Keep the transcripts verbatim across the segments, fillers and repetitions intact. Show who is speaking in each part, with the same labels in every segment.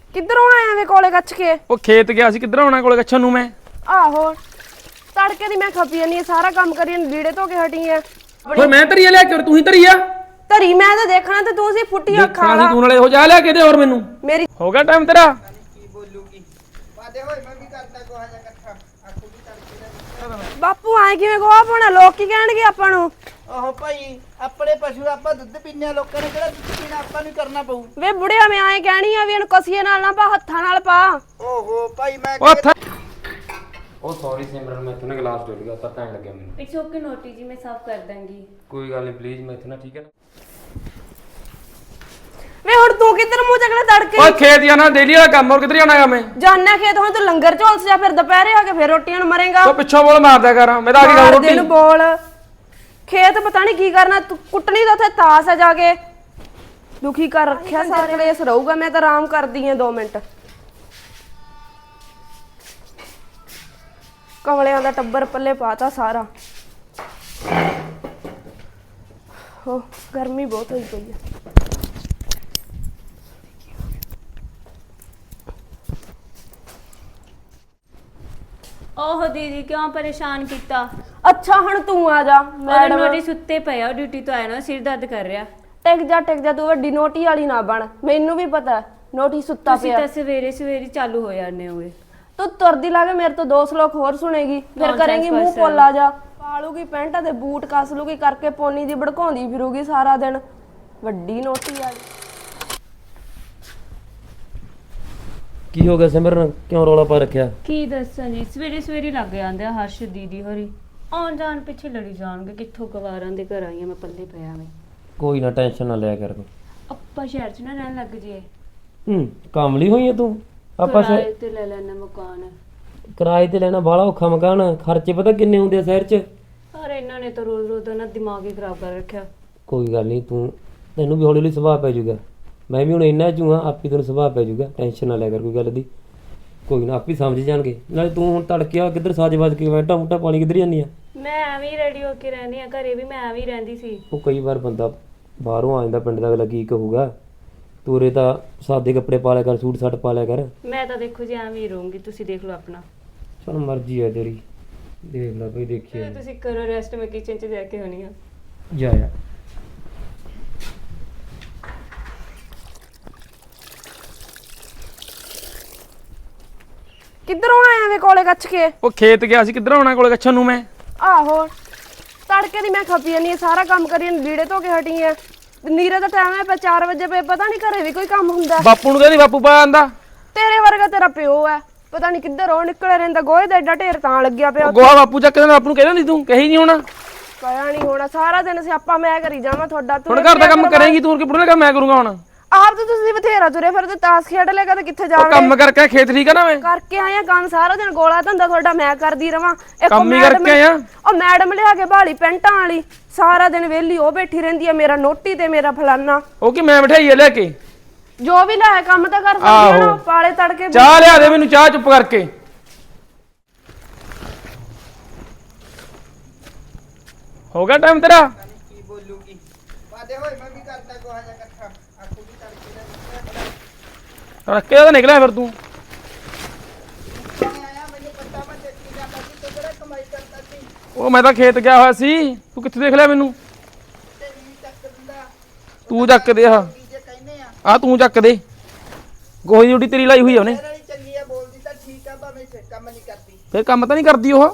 Speaker 1: ਕਿੱਧਰੋਂ ਆਇਆ ਵੇ ਕੋਲੇ ਕੱਛ ਕੇ?
Speaker 2: ਉਹ ਖੇਤ ਗਿਆ ਸੀ, ਕਿੱਧਰ ਆਉਣਾ ਕੋਲੇ ਕੱਛਣ ਨੂੰ ਮੈਂ।
Speaker 1: ਆਹੋ ਤੜਕੇ ਦੀ ਮੈਂ ਖਪੀ ਨਹੀਂ ਸਾਰਾ ਕੰਮ ਕਰੀ ਲੀੜੇ ਧੋ ਕੇ ਹਟੀ ਆ।
Speaker 2: ਫਿਰ ਮੈਂ ਧਰੀਆ ਲਿਆ ਕੇ ਤੂੰ ਹੀ ਧਰੀਆ
Speaker 1: ਧਰੀ ਮੈਂ ਤਾਂ ਦੇਖਣਾ ਤੇ ਤੂੰ ਸੀ ਫੁੱਟੀ ਅੱਖਾਂ
Speaker 2: ਦੇਖਣਾ ਸੀ
Speaker 1: ਵਾਲਾ।
Speaker 2: ਤੂੰ ਨਾਲੇ ਹੋ ਜਾ ਲਿਆ ਕੇ ਦੇ ਹੋਰ ਮੈਨੂੰ
Speaker 1: ਮੇਰੀ
Speaker 2: ਹੋ ਗਿਆ ਟਾਈਮ ਤੇਰਾ।
Speaker 3: ਕੀ ਬੋਲੂਗੀ ਵਾਦੇ ਹੋਏ ਮੈਂ ਵੀ ਕਰਦਾ ਕੋਹਾ ਜਾ ਇਕੱਠਾ ਆਖੂ ਵੀ ਤੜਕੇ
Speaker 1: ਬਾਪੂ ਆਏ ਕਿਵੇਂ ਗੋਹਾ ਪਾਉਣਾ? ਲੋਕ ਕੀ ਕਹਿਣਗੇ ਆਪਾਂ ਨੂੰ?
Speaker 3: ਓਹ ਭਾਈ ਆਪਣੇ ਪਸ਼ੂ ਆਪਾਂ ਦੁੱਧ ਪੀਂਦੇ ਆ, ਲੋਕਾਂ ਨੇ ਕਿਹੜਾ ਦੁੱਧ ਪੀਣਾ ਆਪਾਂ ਨੂੰ ਕਰਨਾ ਪਊ।
Speaker 1: ਵੇ ਬੁੜਿਆ ਮੈਂ ਆਏ ਕਹਿਣੀ ਆ ਵੀ ਇਹਨੂੰ ਕਸੀਏ ਨਾਲ ਨਾ ਪਾ, ਹੱਥਾਂ ਨਾਲ ਪਾ।
Speaker 3: ਓਹੋ ਭਾਈ ਮੈਂ
Speaker 2: ਉਹ ਥਾ-
Speaker 4: ਉਹ ਸੌਰੀ ਸਿਮਰਨ, ਮੈਂ ਇੱਥੋਂ ਨਾ ਗਲਾਸ ਡੁੱਲ ਗਿਆ, ਪਤਾ ਨਹੀਂ ਲੱਗਿਆ ਮੈਨੂੰ।
Speaker 5: इट्स ओके नोटी जी, मैं साफ कर दूंगी।
Speaker 4: ਕੋਈ ਗੱਲ ਨਹੀਂ ਪਲੀਜ਼, ਮੈਂ ਇੱਥੋਂ ਨਾ ਠੀਕ ਹੈ ਨਾ।
Speaker 1: ਵੇ ਹੁਣ ਤੂੰ ਕਿੱਧਰ ਮੂੰਹ ਚੱਕਣਾ ਤੜਕੇ?
Speaker 2: ਓਏ ਖੇਤ ਜਾਣਾ ਡੇਲੀ ਵਾਲਾ ਕੰਮ, ਹੋਰ ਕਿੱਧਰ ਜਾਣਾਗਾ ਮੈਂ?
Speaker 1: ਜਾਨਾ ਖੇਤ ਹੁਣ ਤੂੰ ਲੰਗਰ ਝੋਲਸ ਜਾ, ਫਿਰ ਦੁਪਹਿਰੇ ਆ ਕੇ ਫਿਰ ਰੋਟੀਆਂ ਨੂੰ ਮਰੇਗਾ।
Speaker 2: ਤੂੰ ਪਿੱਛੋਂ ਬੋਲ ਮਾਰਦਾ ਕਰ, ਮੈਂ ਤਾਂ ਆ ਕੇ ਖਾਉ
Speaker 1: ਮਾਰਦੇ
Speaker 2: ਰੋਟੀ।
Speaker 1: ਨੂੰ ਬੋਲ ਖੇਤ ਪਤਾ ਨਹੀਂ ਕੀ ਕਰਨਾ, ਤੂੰ ਕੁੱਟਣੀ ਤਾਂ ਉੱਥੇ ਤਾਸ ਆ ਜਾ ਕੇ। ਦੁਖੀ ਕਰ ਰੱਖਿਆ ਸਾਰੇ ਕਲੇਸ਼ ਰਹੂਗਾ, ਮੈਂ ਤਾਂ ਆਰਾਮ ਕਰਦੀ ਆ ਦੋ ਮਿੰਟ। ਕਮਲਿਆਂ ਦਾ ਟੱਬਰ ਪੱਲੇ ਪਾਤਾ ਸਾਰਾ। ਹੋ ਗਰਮੀ ਬਹੁਤ ਹੋਈ ਪਈ ਆ।
Speaker 5: ओह दीदी क्यों परेशान किया?
Speaker 1: ਅੱਛਾ ਹੁਣ ਤੂੰ ਆ ਜਾ।
Speaker 5: और
Speaker 1: ਮੈਡਮ
Speaker 5: नोटी सुत्ते पे आ, ड्यूटी तो आया ना, सिर दर्द कर रहा।
Speaker 1: ਟਿਕ ਜਾ ਟਿਕ ਜਾ, ਤੂੰ ਵੱਡੀ ਨੋਟੀ ਵਾਲੀ ਨਾ ਬਣ। ਮੈਨੂੰ ਵੀ ਪਤਾ ਨੋਟੀ ਸੁੱਤਾ
Speaker 5: ਤੁਸੀਂ
Speaker 1: ਪਿਆ।
Speaker 5: ਤਾਂ ਸਵੇਰੇ ਸਵੇਰੇ ਚਾਲੂ ਹੋ ਜਾਂਦੇ ਹੋਗੇ।
Speaker 1: ਤੂੰ ਤੁਰਦੀ ਲਾ ਕੇ ਮੇਰੇ ਤੋਂ ਦੋ ਸਲੋਕ ਹੋਰ ਸੁਣੇਗੀ, ਫਿਰ
Speaker 5: Nonsense
Speaker 1: ਕਰੇਂਗੀ ਮੂੰਹ
Speaker 5: person।
Speaker 1: ਪੋਲਾ ਜਾ। ਪਾਲੂਗੀ ਪੈਂਟਾਂ ਤੇ ਬੂਟ ਕੱਸ ਲੂਗੀ, ਕਰਕੇ ਪੋਨੀ ਦੀ ਭੜਕਾਉਂਦੀ ਫਿਰੂਗੀ ਸਾਰਾ ਦਿਨ। ਵੱਡੀ ਨੋਟੀ ਵਾਲੀ।
Speaker 4: ਕੀ ਹੋ ਗਿਆ ਸਿਮਰਨ, ਕਿਉਂ ਰੌਲਾ ਪਾ ਰੱਖਿਆ?
Speaker 5: ਕੀ ਦੱਸਾਂ ਜੀ, ਸਵੇਰੇ ਸਵੇਰੇ ਲੱਗ ਜਾਂਦੇ ਆ ਹਰਸ਼ ਦੀਦੀ ਹੋਰੀ। ਆਉਣ ਜਾਣ ਪਿੱਛੇ ਲੜੀ ਜਾਣਗੇ, ਕਿੱਥੋਂ ਗਵਾਰਾਂ ਦੇ ਘਰ ਆਈਆਂ ਮੈਂ, ਪੱਲੇ ਪਿਆ ਮੈਂ।
Speaker 4: ਕੋਈ ਨਾ ਟੈਨਸ਼ਨ ਨਾ ਲਿਆ ਕਰ।
Speaker 5: ਆਪਾਂ ਸ਼ਹਿਰ 'ਚ ਨਾ ਰਹਿਣ ਲੱਗ ਜੇ।
Speaker 4: ਹੂੰ ਕਾਮਲੀ ਹੋਈ ਹੈ ਤੂੰ। ਆਪਾਂ ਸ਼ਹਿਰ
Speaker 5: ਕਿਰਾਏ ਤੇ ਲੈ ਲੈਣਾ ਮਕਾਨ।
Speaker 4: ਕਿਰਾਏ ਤੇ ਲੈਣਾ ਬਾਹਲਾ ਔਖਾ ਮਕਾਨ, ਖਰਚੇ ਪਤਾ ਕਿੰਨੇ ਹੁੰਦੇ ਆ ਸ਼ਹਿਰ 'ਚ।
Speaker 5: ਪਰ ਇਹਨਾਂ ਨੇ ਤਾਂ ਰੋਜ਼ ਰੋਜ਼ ਦਾ ਨਾ ਦਿਮਾਗ ਹੀ ਖਰਾਬ ਕਰ ਰੱਖਿਆ।
Speaker 4: ਕੋਈ ਗੱਲ ਨਹੀਂ, ਤੂੰ ਤੈਨੂੰ ਵੀ ਹੌਲੀ ਹੌਲੀ ਸੁਭਾਅ ਪੈ ਜਾਊਗਾ। ਮੈਂ ਵੀ ਹੁਣ ਇੰਨਾ ਚੂਹਾ, ਆਪੀ ਤੈਨੂੰ ਸੁਭਾਅ ਪੈ ਜਾਊਗਾ। ਟੈਨਸ਼ਨ ਨਾ ਲਿਆ ਕਰ ਕੋਈ ਗੱਲ ਦੀ। ਕੋਈ ਨਾ ਆਪੀ ਸਮਝ ਜਾਣਗੇ। ਨਾਲੇ ਤੂੰ ਹੁਣ ਤੜਕਿਆ ਕਿੱਧਰ ਸਾਜ ਵੱਜ ਕੇ ਬੈਠਾ ਮੁੱਟਾ ਪਾਣੀ ਕਿੱਧਰ ਜਾਂਦੀ ਆ?
Speaker 5: ਮੈਂ ਐਵੇਂ ਹੀ ਰੈਡੀ ਹੋ ਕੇ ਰਹਿੰਦੀ ਆ, ਘਰੇ ਵੀ ਮੈਂ ਐਵੇਂ ਹੀ ਰਹਿੰਦੀ ਸੀ।
Speaker 4: ਉਹ ਕਈ ਵਾਰ ਬੰਦਾ ਬਾਹਰੋਂ ਆ ਜਾਂਦਾ, ਪਿੰਡ ਦਾ ਅਗਲਾ ਕੀ ਕਹੂਗਾ। ਤੂੰ ਉਰੇ ਤਾਂ ਸਾਦੇ ਕੱਪੜੇ ਪਾ ਲਿਆ ਕਰ, ਸੂਟ ਸਾਟ ਪਾ ਲਿਆ ਕਰ।
Speaker 5: ਮੈਂ ਤਾਂ ਦੇਖੋ ਜੀ ਐਵੇਂ ਹੀ ਰਹੂੰਗੀ, ਤੁਸੀਂ ਦੇਖ ਲਓ ਆਪਣਾ।
Speaker 4: ਚਲ ਮਰਜ਼ੀ ਹੈ ਤੇਰੀ, ਦੇਖ ਲੈ ਬਈ, ਦੇਖੀਏ।
Speaker 5: ਤੁਸੀਂ ਕਰੋ ਰੈਸਟ, ਮੈਂ ਕਿਚਨ 'ਚ ਜਾ ਕੇ ਹੋਣੀ ਆ।
Speaker 4: ਜਾ ਜਾ।
Speaker 1: ਕਿੱਧਰੋਂ ਆਇਆ ਵੇ ਕੋਲੇ ਕੱਛ ਕੇ?
Speaker 2: ਉਹ ਖੇਤ ਗਿਆ ਸੀ, ਕਿੱਧਰ ਆਉਣਾ ਕੋਲੇ ਕੱਛਣ ਨੂੰ ਮੈਂ।
Speaker 1: ਆਹੋ ਤੜਕੇ ਦੀ ਮੈਂ ਖਪੀ ਨਹੀਂ ਸਾਰਾ ਕੰਮ ਕਰੀ ਲੀੜੇ ਧੋ ਕੇ ਹਟੀ ਆ। ਨੀਰੇ ਦਾ ਟਾਈਮ ਹੈ, ਚਾਰ ਵਜੇ ਪਏ, ਪਤਾ ਨਹੀਂ ਘਰੇ ਵੀ ਕੋਈ ਕੰਮ ਹੁੰਦਾ।
Speaker 2: ਬਾਪੂ ਨੂੰ ਕਹਿੰਦੀ ਬਾਪੂ ਪਾ ਆਂਦਾ।
Speaker 1: ਤੇਰੇ ਵਰਗਾ ਤੇਰਾ ਪਿਓ ਹੈ, ਪਤਾ ਨਹੀਂ ਕਿੱਧਰ ਉਹ ਨਿਕਲਿਆ ਰਹਿੰਦਾ। ਗੋਹੇ ਦਾ ਐਡਾ ਢੇਰ ਤਾਂ ਲੱਗਿਆ ਪਿਆ।
Speaker 2: ਗੋਹਾ ਬਾਪੂ ਚੱਕ ਦੇਣਾ, ਬਾਪੂ ਨੂੰ ਕਹਿੰਦਾ ਨਹੀਂ ਤੂੰ ਕਹੀ ਨਹੀਂ ਹੋਣਾ।
Speaker 1: ਕਹਿਆ ਨਹੀਂ ਹੋਣਾ, ਸਾਰਾ ਦਿਨ ਸਿਆਪਾ ਮੈਂ ਕਰੀ ਜਾਵਾਂ ਤੁਹਾਡਾ। ਤੂੰ
Speaker 2: ਹੁਣ ਘਰ ਦਾ ਕੰਮ ਕਰੇਂਗੀ ਤੂੰ, ਕਿ ਪੁੱਟਣਾ ਕੰਮ ਮੈਂ ਕਰੂੰਗਾ ਹੁਣ।
Speaker 1: ਆਪ ਤਾਂ ਤੁਸੀਂ ਬਥੇਰਾ ਤੁਰੇ ਫਿਰ ਤੇ ਤਾਸ ਖੇਡ ਲਿਆ ਕਦੇ ਕਿੱਥੇ
Speaker 2: ਉਹ
Speaker 1: ਜਾਵੇ।
Speaker 2: ਕੰਮ ਕਰਕੇ ਖੇਤ ਠੀਕ ਆ ਨਾ ਮੈਂ।
Speaker 1: ਕਰਕੇ ਆਇਆ ਕੰਮ ਸਾਰਾ ਦਿਨ, ਗੋਲਾ ਧੰਦਾ ਤੁਹਾਡਾ ਮੈਂ ਕਰਦੀ ਰਵਾਂ। ਇੱਕ
Speaker 2: ਕੰਮ ਹੀ
Speaker 1: ਮੈਡਮ-
Speaker 2: ਕਰਕੇ ਆਇਆ।
Speaker 1: ਉਹ ਮੈਡਮ ਲਿਆ ਕੇ ਬਾਲੀ ਪੈਂਟਾਂ ਵਾਲੀ, ਸਾਰਾ ਦਿਨ ਵਿਹਲੀ ਉਹ ਬੈਠੀ ਰਹਿੰਦੀ ਆ। ਮੇਰਾ ਨੋਟੀ ਤੇ ਮੇਰਾ ਫਲਾਨਾ,
Speaker 2: ਉਹ ਕਿ ਮੈਂ ਬਿਠਾਈ ਆ ਲੈ ਕੇ।
Speaker 1: ਜੋ ਵੀ ਲੈ ਕੰਮ ਤਾਂ ਕਰ ਸਕਦੀ ਆ ਨਾ। ਪਾਲੇ ਤੜਕੇ
Speaker 2: ਚਾਹ ਲਿਆ ਦੇ ਮੈਨੂੰ, ਚਾਹ ਚੁੱਪ ਕਰਕੇ। ਹੋ ਗਿਆ ਟਾਈਮ ਤੇਰਾ।
Speaker 3: ਕੀ ਬੋਲੂਗੀ ਵਾਦੇ ਹੋਏ ਮੈਂ ਵੀ ਕਰਦਾ ਕੋਹਾ ਜਾ ਇਕੱਠਾ ਆਖੂ ਵੀ ਤੜਕੇ
Speaker 2: ਤੜਕੇ ਦਾ ਨਿਕਲਿਆ ਫਿਰ ਤੂੰ।
Speaker 3: ਆਇਆ ਮੈਨੂੰ ਪਤਾ ਮੈਂ ਦੇਖੀ ਜਾਂਦਾ ਸੀ ਤੂੰ ਕਿਹੜਾ ਕਮਾਈ ਕਰਦਾ ਸੀ।
Speaker 2: ਉਹ ਮੈਂ ਤਾਂ ਖੇਤ ਗਿਆ ਹੋਇਆ ਸੀ, ਤੂੰ ਕਿੱਥੇ ਦੇਖ ਲਿਆ ਮੈਨੂੰ?
Speaker 3: ਤੇ ਨਹੀਂ ਚੱਕ ਦਿੰਦਾ
Speaker 2: ਤੂੰ ਚੱਕ ਦੇ ਆ
Speaker 3: ਕੀ ਜੇ ਕਹਿੰਦੇ ਆ।
Speaker 2: ਆ ਤੂੰ ਚੱਕ ਦੇ। ਗੋਹੀ ਦੀ ਡਿਊਟੀ ਤੇਰੀ ਲਾਈ ਹੋਈ ਆ ਉਹਨੇ।
Speaker 3: ਮੇਰੇ ਵਾਲੀ ਚੰਗੀ ਆ, ਬੋਲਦੀ ਤਾਂ ਠੀਕ ਆ, ਭਾਵੇਂ ਸੇ ਕੰਮ ਨਹੀਂ ਕਰਦੀ।
Speaker 2: ਫਿਰ ਕੰਮ ਤਾਂ ਨਹੀਂ ਕਰਦੀ ਉਹ।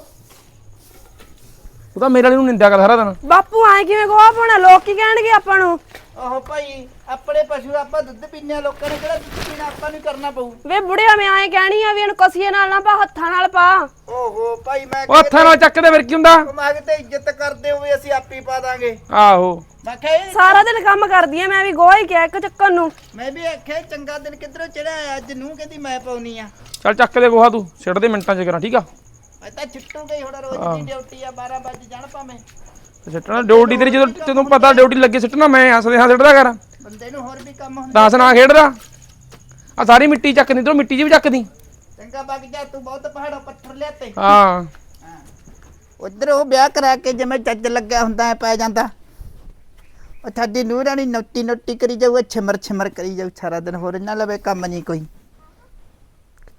Speaker 2: ਉਹ ਤਾਂ ਮੇਰੇ ਵਾਲੀ ਨੂੰ ਨਿੰਦਿਆ ਕਰ ਸਾਰਾ ਦਿਨ।
Speaker 1: ਬਾਪੂ ਆਏ ਕਿਵੇਂ ਗੋਹਾ ਪਾਉਣਾ? ਲੋਕ ਕੀ ਕਹਿਣਗੇ ਆਪਾਂ ਨੂੰ?
Speaker 3: ਓਹ ਭਾਈ ਆਪਣੇ ਪਸ਼ੂ ਆਪਾਂ ਦੁੱਧ ਪੀਂਦੇ ਆ, ਲੋਕਾਂ ਨੇ ਕਿਹੜਾ ਦੁੱਧ ਪੀਣਾ ਆਪਾਂ ਨੂੰ ਕਰਨਾ ਪਊ।
Speaker 1: ਵੇ ਬੁੜਿਆ ਮੈਂ ਆਏ ਕਹਿਣੀ ਆ ਵੀ ਇਹਨੂੰ ਕਸੀਏ ਨਾਲ ਨਾ ਪਾ, ਹੱਥਾਂ ਨਾਲ ਪਾ।
Speaker 3: ਓਹੋ ਭਾਈ ਮੈਂ
Speaker 2: ਉਹ ਹੱਥਾਂ ਨਾਲ ਚੱਕ ਦੇ, ਫਿਰ ਕੀ ਹੁੰਦਾ?
Speaker 3: ਕਮਾਗ ਤੇ ਇੱਜ਼ਤ ਕਰਦੇ ਹੋਵੇ ਅਸੀਂ ਆਪੀ ਪਾ ਦਾਂਗੇ।
Speaker 2: ਆਹੋ
Speaker 3: ਮੈਂ ਕਿਹਾ ਇਹ-
Speaker 1: ਸਾਰਾ ਦਿਨ ਕੰਮ ਕਰਦੀ ਆ ਮੈਂ ਵੀ, ਗੋਹਾ ਹੀ ਕਿਹਾ ਇੱਕ ਚੱਕਰ ਨੂੰ।
Speaker 3: ਮੈਂ ਵੀ ਆਖਿਆ ਚੰਗਾ ਦਿਨ ਕਿੱਧਰੋਂ ਚੜਿਆ ਅੱਜ ਨੂੰ ਕਹਿੰਦੀ ਮੈਂ ਪਾਉਣੀ ਆ।
Speaker 2: ਚੱਲ ਚੱਕ ਦੇ ਗੋਹਾ, ਤੂੰ ਸਿੱਟ ਦੇ ਮਿੰਟਾਂ ਚ ਕਰਾਂ, ਠੀਕ ਆ?
Speaker 3: ਮੈਂ ਤਾਂ ਛੁੱਟੂ ਗਈ ਹੁਣ, ਰੋਜ਼ ਦੀ ਡਿਊਟੀ ਆ, ਬਾਰਾਂ ਵਜੇ ਜਾਣ ਭਾਵੇਂ।
Speaker 2: ਸਿੱਟਣਾ ਡਿਊਟੀ ਤੇਰੀ, ਜਦੋਂ ਤੈਨੂੰ ਪਤਾ ਡਿਊਟੀ ਲੱਗੀ ਸਿੱਟਣਾ। ਮੈਂ ਹੱਸਦੇ ਹਾਂ ਸਿੱਟਦਾ ਕਰ।
Speaker 3: ਬੰਦੇ ਨੂੰ ਹੋਰ ਵੀ ਕੰਮ ਹੁੰਦਾ।
Speaker 2: ਦਸ ਨਾ ਖੇਡਦਾ। ਆ ਸਾਰੀ ਮਿੱਟੀ ਚੱਕਦੀ, ਤੂੰ ਮਿੱਟੀ ਜੀ ਵੀ ਚੱਕਦੀ।
Speaker 3: ਚੰਗਾ ਵਗ ਜਾ ਤੂੰ, ਬਹੁਤ ਪਹਾੜੋਂ ਪੱਥਰ ਲਿਆਤੇ।
Speaker 2: ਹਾਂ
Speaker 3: ਉਧਰ ਉਹ ਵਿਆਹ ਕਰਾ ਕੇ ਜਿਵੇਂ ਚੱਜ ਲੱਗਿਆ ਹੁੰਦਾ ਐ ਪੈ ਜਾਂਦਾ। ਉਹ ਤੁਹਾਡੀ ਨੂੰਹ ਰਾਣੀ ਨੋਟੀ ਨੋਟੀ ਕਰੀ ਜਾਊ, ਛਿਮਰ ਛਿਮਰ ਕਰੀ ਜਾਊ ਸਾਰਾ ਦਿਨ, ਹੋਰ ਇਹਨਾਂ ਲਵੇ ਕੰਮ ਨਹੀਂ ਕੋਈ।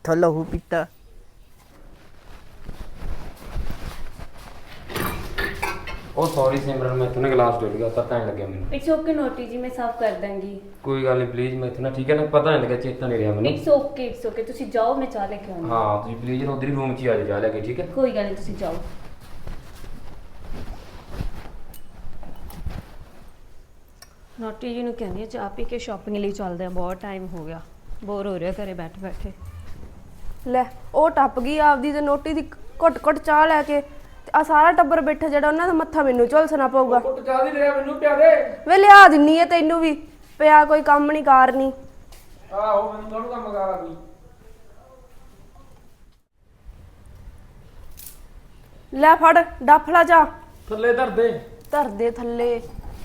Speaker 3: ਕਿੱਥੋਂ ਲਹੂ ਪੀਤਾ।
Speaker 4: ਉਹ ਸੌਰੀ ਸਿਮਰਨ, ਮੈਂ ਇੱਥੋਂ ਨਾ ਗਲਾਸ ਡੁੱਲ ਗਿਆ, ਪਤਾ ਨਹੀਂ ਲੱਗਿਆ ਮੈਨੂੰ।
Speaker 5: ਇਟਸ ਓਕੇ ਨੋਟੀ ਜੀ, ਮੈਂ ਸਾਫ਼ ਕਰ ਦਾਂਗੀ।
Speaker 4: ਕੋਈ ਗੱਲ ਨਹੀਂ ਪਲੀਜ਼, ਮੈਂ ਇੱਥੋਂ ਨਾ ਠੀਕ ਹੈ ਨਾ, ਪਤਾ ਨਹੀਂ ਲੱਗਿਆ, ਚੇਤਾ ਨਹੀਂ ਰਿਹਾ ਮੈਨੂੰ।
Speaker 5: ਇਟਸ ਓਕੇ ਇਟਸ ਓਕੇ, ਤੁਸੀਂ ਜਾਓ, ਮੈਂ ਚਾਹ ਲੈ ਕੇ ਆਉਂਦੀ।
Speaker 4: ਹਾਂ ਤੁਸੀਂ ਪਲੀਜ਼ ਉਧਰ ਹੀ ਰੂਮ 'ਚ ਹੀ ਆ ਜਾਓ, ਜਾ ਲੈ ਕੇ, ਠੀਕ ਹੈ।
Speaker 5: ਕੋਈ ਗੱਲ ਨਹੀਂ, ਤੁਸੀਂ ਜਾਓ। ਨੋਟੀ ਜੀ ਨੂੰ ਕਹਿੰਦੀ ਆ ਚਾਹ ਪੀ ਕੇ ਸ਼ਾਪਿੰਗ ਲਈ ਚੱਲਦੇ ਆ, ਬਹੁਤ ਟਾਈਮ ਹੋ ਗਿਆ, ਬੋਰ ਹੋ ਰਿਹਾ ਘਰੇ ਬੈਠੇ ਬੈਠੇ।
Speaker 1: ਲੈ ਉਹ ਟੱਪ ਗਈ ਆਪਦੀ ਤੇ ਨੋਟੀ ਦੀ ਘੁੱਟ ਘੁੱਟ ਚਾਹ ਲੈ ਕੇ, ਆ ਸਾਰਾ ਟੱਬਰ ਬੈਠਾ ਜਿਹੜਾ ਉਹਨਾਂ ਦਾ ਮੱਥਾ ਮੈਨੂੰ ਝੁਲਸਣਾ ਪਊਗਾ।
Speaker 2: ਕੁੱਟ ਚਾਹ ਦੀ ਲਿਆ ਮੈਨੂੰ ਪਿਆ ਦੇ।
Speaker 1: ਵੇ ਲਿਆ ਦਿੰਨੀ ਐ ਤੈਨੂੰ ਵੀ, ਪਿਆ ਕੋਈ ਕੰਮ ਨਹੀਂ ਕਾਰ ਨਹੀਂ।
Speaker 2: ਆਹੋ ਮੈਨੂੰ ਕਾਹਨੂੰ ਕੰਮ ਕਰਾ ਕੋਈ।
Speaker 1: ਲੈ ਫੜ ਡੱਫਲਾ ਜਾ,
Speaker 2: ਥੱਲੇ ਧਰ ਦੇ।
Speaker 1: ਧਰ ਦੇ ਥੱਲੇ।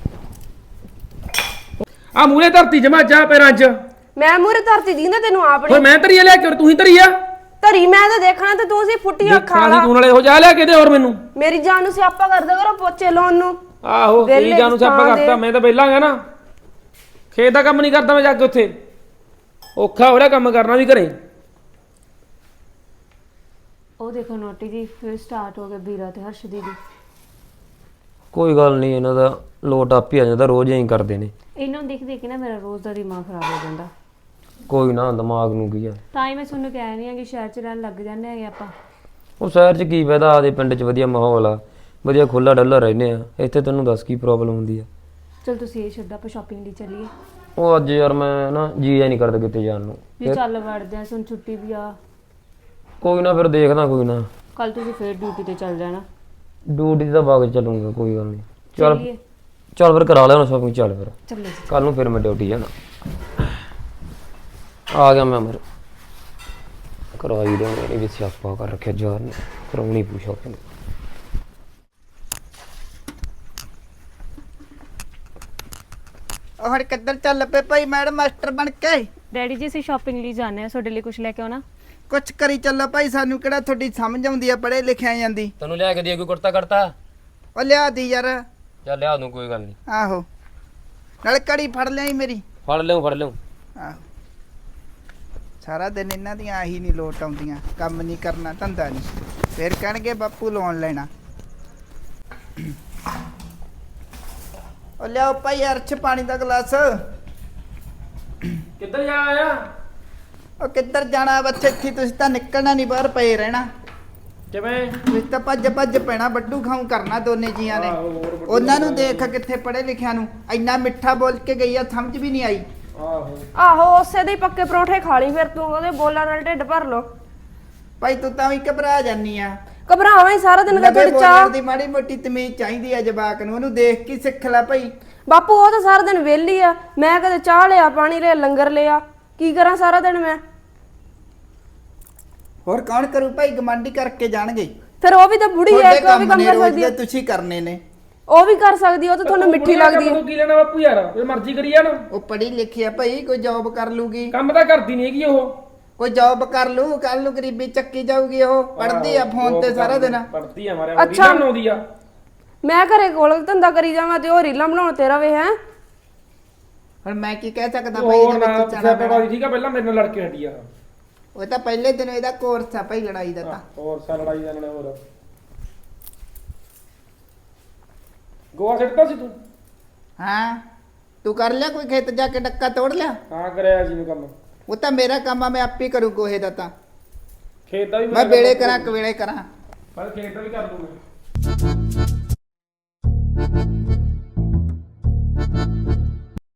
Speaker 2: ਆ ਮੂਰੇ ਧਰਤੀ ਜਮਾ ਜਾ ਪੈਰਾਂ 'ਚ।
Speaker 1: ਮੈਂ ਮੂਰੇ ਧਰਤੀ ਦੀ ਨਾ ਤੈਨੂੰ ਆਪ
Speaker 2: ਓਏ
Speaker 1: ਨੀ
Speaker 2: ਮੈਂ ਧਰੀ ਲਿਆ ਕਿ ਤੂੰ ਹੀ ਧਰੀ ਆ?
Speaker 1: ਧਰੀ ਮੈਂ ਤਾਂ ਦੇਖਣਾ ਤੇ ਤੂੰ ਸੀ ਫੁੱਟੀਆਂ
Speaker 2: ਦੇਖਣਾ
Speaker 1: ਖਾ
Speaker 2: ਸੀ
Speaker 1: ਲਾ।
Speaker 2: ਤੂੰ ਨਾਲੇ ਹੋ ਜਾ ਲਿਆ ਕਿਤੇ ਹੋਰ ਮੈਨੂੰ।
Speaker 1: ਮੇਰੀ ਜਾਨ ਨੂੰ ਸਿਆਪਾ ਕਰਦਾ ਕਰੋ ਪੋਚੇ ਲਾਉਣ ਨੂੰ।
Speaker 2: ਆਹੋ
Speaker 1: ਵਿਹਲੇ
Speaker 2: ਤੇਰੀ ਜਾਨੂੰ ਸਿਆਪਾ
Speaker 1: ਥਾਂ ਦੇ।
Speaker 2: ਕਰਤਾ, ਮੈਂ ਤਾਂ ਵਿਹਲਾ ਗਾ ਨਾ, ਖੇਤ ਦਾ ਕੰਮ ਨਹੀਂ ਕਰਦਾ ਮੈਂ ਜਾ ਕੇ ਉੱਥੇ, ਔਖਾ ਹੋ ਰਿਹਾ ਕੰਮ ਕਰਨਾ ਵੀ ਘਰੇ।
Speaker 5: ਉਹ ਦੇਖੋ ਨੋਟੀ ਜੀ, ਫਿਰ ਸਟਾਰਟ ਹੋ ਗਿਆ ਵੀਰਾ ਤੇ ਹਰਸ਼ ਦੀਦੀ।
Speaker 4: ਕੋਈ ਗੱਲ ਨਹੀਂ, ਇਹਨਾਂ ਦਾ ਲੋਟ ਆਪ ਹੀ ਆ ਜਾਂਦਾ, ਰੋਜ਼ ਐਂ ਕਰਦੇ ਨੇ।
Speaker 5: ਇਹਨਾਂ ਨੂੰ ਦੇਖ ਦੇਖ ਕੇ ਨਾ ਮੇਰਾ ਰੋਜ਼ ਦਾ ਦਿਮਾਗ ਖਰਾਬ ਹੋ ਜਾਂਦਾ।
Speaker 4: ਕੋਈ ਨਾ, ਦਿਮਾਗ ਨੂੰ ਕੀ ਆ।
Speaker 5: ਤਾਂ ਹੀ ਮੈਂ ਤੁਹਾਨੂੰ ਕਹਿ ਰਹੀ ਹਾਂ ਕਿ ਸ਼ਹਿਰ 'ਚ ਰਹਿਣ ਲੱਗ ਜਾਂਦੇ ਹੈਗੇ ਆਪਾਂ।
Speaker 4: ਉਹ ਸ਼ਹਿਰ 'ਚ ਕੀ ਫਾਇਦਾ, ਆਦੇ ਪਿੰਡ 'ਚ ਵਧੀਆ ਮਾਹੌਲ ਆ, ਵਧੀਆ ਖੁੱਲਾ ਡੱਲਾ ਰਹਿੰਦੇ ਆ, ਇੱਥੇ ਤੈਨੂੰ ਦੱਸ ਕੀ ਪ੍ਰੋਬਲਮ ਹੁੰਦੀ ਆ।
Speaker 5: ਚਲ ਤੁਸੀਂ ਇਹ ਛੱਡੋ, ਆਪਾਂ ਸ਼ਾਪਿੰਗ ਲਈ ਚੱਲੀਏ।
Speaker 4: ਉਹ ਅੱਜ ਯਾਰ ਮੈਂ ਨਾ ਜੀ ਐ ਨਹੀਂ ਕਰਦਾ ਕਿਤੇ ਜਾਣ ਨੂੰ।
Speaker 5: ਜੇ ਚੱਲ ਵੜਦੇ ਆ, ਸੁਣ ਛੁੱਟੀ ਵੀ ਆ।
Speaker 4: ਕੋਈ ਨਾ ਫਿਰ ਦੇਖਦਾ, ਕੋਈ ਨਾ
Speaker 5: ਕੱਲ ਤੁਸੀਂ ਫੇਰ ਡਿਊਟੀ ਤੇ ਚੱਲ ਜਾਣਾ।
Speaker 4: ਡਿਊਟੀ ਦਾ ਬਾਗ ਚੱਲੂਗਾ, ਕੋਈ ਗੱਲ ਨਹੀਂ। ਚੱਲ
Speaker 5: ਚੱਲੀਏ।
Speaker 4: ਚੱਲ ਫਿਰ ਕਰਾ ਲਿਆ ਹੁਣ ਸ਼ਾਪਿੰਗ, ਚੱਲ ਫਿਰ
Speaker 5: ਚੱਲੇ ਜੀ।
Speaker 4: ਕੱਲ ਨੂੰ ਫਿਰ ਮੈਂ ਡਿਊਟੀ ਜਾਣਾ। ਆ ਗਿਆ ਮੈਂ ਮਰ ਕਰਾਈ ਦੇ ਮੇਰੇ ਵੀ ਸਿਆਪਾ ਕਰ ਰੱਖਿਆ ਯਾਰ ਨੇ, ਕਰਾਉਣੀ ਪੂ ਸ਼ਾਪਿੰਗ।
Speaker 3: ਉਹ ਹੁਣ ਕਿੱਧਰ ਚੱਲ ਪਏ ਭਾਈ ਮੈਡਮ ਮਾਸਟਰ ਬਣ ਕੇ?
Speaker 5: ਡੈਡੀ ਜੀ ਅਸੀਂ ਸ਼ਾਪਿੰਗ ਲਈ ਜਾਣੇ ਆ, ਤੁਹਾਡੇ ਲਈ ਕੁਝ ਲੈ ਕੇ ਆਉਣਾ।
Speaker 3: ਕੁਛ ਕਰੀ ਚੱਲੋ ਭਾਈ, ਸਾਨੂੰ ਕਿਹੜਾ ਤੁਹਾਡੀ ਸਮਝ ਆਉਂਦੀ ਆ ਪੜ੍ਹੇ ਲਿਖਿਆ ਜਾਂਦੀ।
Speaker 4: ਤੈਨੂੰ ਲਿਆ ਕੇ ਦੇ ਕੋਈ ਕੁੜਤਾ ਕਰਤਾ?
Speaker 3: ਉਹ ਲਿਆ ਦੀ ਯਾਰ।
Speaker 4: ਚੱਲ ਲਿਆ ਦੂੰ, ਕੋਈ ਗੱਲ ਨਹੀਂ।
Speaker 3: ਆਹੋ ਨਾਲੇ ਕੜੀ ਫੜ ਲਿਆਈ ਮੇਰੀ।
Speaker 4: ਫੜ ਲਿਓ ਫੜ ਲਿਓ।
Speaker 3: ਆਹੋ ਸਾਰਾ ਦਿਨ ਇਹਨਾਂ ਦੀਆਂ ਆਹੀ ਨਹੀਂ ਲੋਟ ਆਉਂਦੀਆਂ, ਕੰਮ ਨਹੀਂ ਕਰਨਾ, ਧੰਦਾ ਨਹੀਂ, ਫਿਰ ਕਹਿਣਗੇ ਬਾਪੂ ਲੋਨ ਲੈਣਾ। ਉਹ ਲਿਆਓ ਭਾਈ ਅਰਸ਼ ਪਾਣੀ ਦਾ ਗਲਾਸ।
Speaker 2: ਕਿੱਧਰ ਜਾ ਆਇਆ?
Speaker 3: ਉਹ ਕਿੱਧਰ ਜਾਣਾ ਬੱਚੇ, ਇੱਥੇ ਤੁਸੀਂ ਤਾਂ ਨਿਕਲਣਾ ਨਹੀਂ, ਬਾਹਰ ਪਏ ਰਹਿਣਾ।
Speaker 2: ਕਿਵੇਂ?
Speaker 3: ਤੁਸੀਂ ਤਾਂ ਭੱਜ ਭੱਜ ਪੈਣਾ, ਵੱਡੂ ਖਾਉ ਕਰਨਾ ਦੋਨੇ ਜੀਆਂ ਨੇ।
Speaker 2: ਆਹੋ, ਹੋਰ ਵੱਡੂ
Speaker 3: ਉਹਨਾਂ ਨੂੰ ਦੇਖ ਕਿੱਥੇ ਪੜ੍ਹੇ ਲਿਖਿਆ ਨੂੰ, ਇੰਨਾ ਮਿੱਠਾ ਬੋਲ ਕੇ ਗਈ ਆ, ਸਮਝ ਵੀ ਨਹੀਂ ਆਈ।
Speaker 2: ਆਹੋ
Speaker 1: ਆਹੋ ਉਸੇ ਦੇ ਹੀ ਪੱਕੇ ਪਰੌਂਠੇ ਖਾ ਲਈ, ਫਿਰ ਤੂੰ ਉਹਦੇ ਬੋਲਾਂ ਨਾਲ ਢਿੱਡ ਭਰ ਲੋ।
Speaker 3: ਭਾਈ ਤੂੰ ਤਾਂ ਵੀ ਘਬਰਾ ਜਾਨੀ ਆ।
Speaker 1: ਘਬਰਾਵਾਂ ਹੀ ਸਾਰਾ ਦਿਨ
Speaker 3: ਲੱਗੇ
Speaker 1: ਤੁਹਾਡੀ
Speaker 3: ਬੋਲਣ
Speaker 1: ਚਾਹ।
Speaker 3: ਦੀ ਮਾੜੀ ਮੋਟੀ ਤਮੀਜ਼ ਚਾਹੀਦੀ ਆ ਜਵਾਕ ਨੂੰ, ਉਹਨੂੰ ਦੇਖ ਕੇ ਸਿੱਖ ਲੈ ਭਾਈ।
Speaker 1: ਬਾਪੂ ਉਹ ਤਾਂ ਸਾਰਾ ਦਿਨ ਵਿਹਲੀ ਆ, ਮੈਂ ਕਦੇ ਚਾਹ ਲਿਆ, ਪਾਣੀ ਲਿਆ, ਲੰਗਰ ਲਿਆ, ਕੀ ਕਰਾਂ ਸਾਰਾ ਦਿਨ ਮੈਂ?
Speaker 3: ਹੋਰ ਕੌਣ ਕਰੂ ਭਾਈ, ਗਮਾਂਡੀ ਕਰਕੇ ਜਾਣਗੇ।
Speaker 1: ਫਿਰ ਉਹ ਵੀ ਤਾਂ ਬੁੜੀ ਹੈ, ਕਿ ਉਹ ਵੀ ਕੰਮ
Speaker 3: ਨੇ
Speaker 1: ਕਰ
Speaker 3: ਰੋਜ਼
Speaker 1: ਸਕਦੀ
Speaker 3: ਦੇ
Speaker 1: ਹੈ।
Speaker 3: ਤੁਸੀਂ ਕਰਨੇ ਨੇ।
Speaker 1: ਉਹ ਵੀ ਕਰ ਸਕਦੀ, ਉਹ ਤਾਂ ਤੁਹਾਨੂੰ ਮਿੱਠੀ ਲੱਗਦੀ ਹੈ।
Speaker 2: ਤੂੰ ਕੀ ਲੈਣਾ ਬਾਪੂ ਯਾਰ, ਜੇ ਮਰਜ਼ੀ ਕਰੀ ਜਾਣ।
Speaker 3: ਉਹ ਪੜ੍ਹੀ ਲਿਖੀ ਆ ਭਾਈ, ਕੋਈ ਜੌਬ ਕਰ ਲੂਗੀ,
Speaker 2: ਕੰਮ ਤਾਂ ਕਰਦੀ ਨਹੀਂ ਹੈਗੀ ਉਹ।
Speaker 3: ਕੋਈ ਜੌਬ ਕਰ ਲੂ, ਕੱਲ ਨੂੰ ਗਰੀਬੀ ਚੱਕੀ ਜਾਊਗੀ। ਉਹ ਪੜ੍ਹਦੀ ਆ ਫੋਨ ਤੇ ਸਾਰਾ ਦਿਨ।
Speaker 2: ਪੜ੍ਹਦੀ ਆ ਮਾਰਿਆ,
Speaker 1: ਅੱਛਾ।
Speaker 2: ਰੀਲਾਂ ਬਣਾਉਂਦੀ ਆ।
Speaker 1: ਮੈਂ ਘਰੇ ਕੋਲ ਧੰਦਾ ਕਰੀ ਜਾਵਾਂ ਤੇ ਉਹ ਰੀਲਾਂ ਬਣਾਉਣ ਤੇ ਰਵੇ ਹੈ।
Speaker 3: ਹੁਣ ਮੈਂ ਕੀ ਕਹਿ ਸਕਦਾ ਭਾਈ,
Speaker 2: ਹੋਰ
Speaker 3: ਇਹਦੇ
Speaker 2: ਨਾ
Speaker 3: ਵਿੱਚ ਚਾਣਾ ਪੈਣਾ।
Speaker 2: ਪਿਆ ਠੀਕ ਆ, ਪਹਿਲਾਂ ਮੇਰੇ ਨਾਲ ਲੜ ਕੇ ਹਟੀ ਆ।
Speaker 3: ਉਹ ਤਾਂ ਪਹਿਲੇ ਦਿਨ ਇਹਦਾ ਕੋਰਸ ਆ ਭਾਈ ਲੜਾਈ ਦਾ ਤਾਂ।
Speaker 2: ਹੋਰ ਸਾ ਲੜਾਈ ਦਾ ਨਾਲ ਹੋਰ ਗੋਆ ਸਿੱਟਦਾ ਸੀ ਤੂੰ?
Speaker 3: ਹਾਂ ਤੂੰ ਕਰ ਲਿਆ ਕੋਈ ਖੇਤ ਜਾ ਕੇ ਡੱਕਾ ਤੋੜ ਲਿਆ?
Speaker 2: ਹਾਂ ਕਰਿਆ ਸੀ ਮੈਂ ਕੰਮ।
Speaker 3: ਉਹ ਤਾਂ ਮੇਰਾ ਕੰਮ ਆ, ਮੈਂ ਆਪੇ ਕਰੂ ਗੋਹੇ ਦਾ ਤਾਂ।
Speaker 2: ਖੇਤ ਦਾ ਵੀ
Speaker 3: ਮੈਂ ਵੇਲੇ ਕਰਾਂ ਕਵੇਲੇ ਕਰਾਂ।
Speaker 2: ਪਰ ਖੇਤ ਦਾ ਵੀ ਕਰ ਦੂੰ ਮੈਂ।